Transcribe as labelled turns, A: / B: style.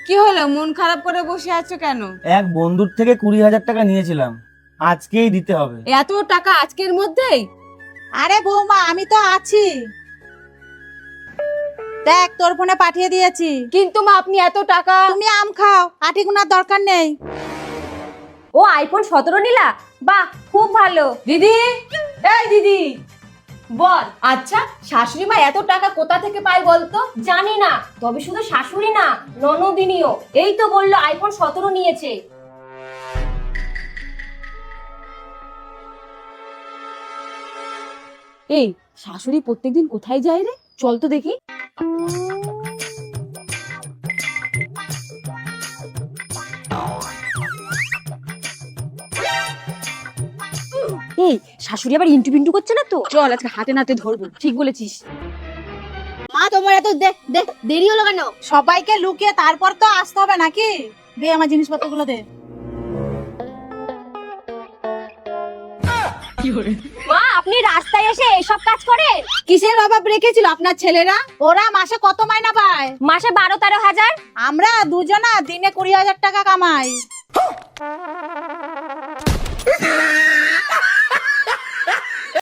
A: কি হলো, মন খারাপ করে বসে আছো কেন?
B: এক বন্ধুর থেকে 20,000 টাকা নিয়েছিলাম, আজকেই দিতে হবে।
A: এত টাকা আজকের মধ্যেই?
C: আরে বৌমা, আমি তো আছি, দেখ তোর ফোনে পাঠিয়ে দিয়েছি।
A: কিন্তু মা, আপনি এত টাকা?
C: তুমি আম খাও, আটি গুনার দরকার নেই।
D: ও আইফোন 17 নিলা? বাহ, খুব ভালো।
A: দিদি, এই দিদি বল। আচ্ছা, শাশুড়ি মা এত টাকা কোথা থেকে পায় বলতো?
D: জানি না, তবে শুধু শাশুড়ি না, ননদিনীও। এই তো বললো আইফোন 17 নিয়েছে।
A: এই শাশুড়ি প্রত্যেকদিন কোথায় যায় রে? চল তো দেখি।
D: এই শাশুড়ি আবার ইন্টু পিন্টু করছে না তো?
A: চল আজকে হাতে নাতে ধরবো। ঠিক বলেছিস।
D: মা, তোমার এত দেরি হলো কেন?
C: সবাইকে লুকিয়ে তারপর তো আসতে হবে নাকি? দে আমার জিনিসপত্রগুলো দে।
D: মা, আপনি রাস্তায় এসে এসব কাজ করেন?
C: কিসের অভাব রেখেছিল আপনার ছেলেরা? ওরা মাসে কত মাইনা পায়?
D: মাসে 12-13 হাজার।
C: আমরা দুজনা দিনে 20,000 টাকা কামাই।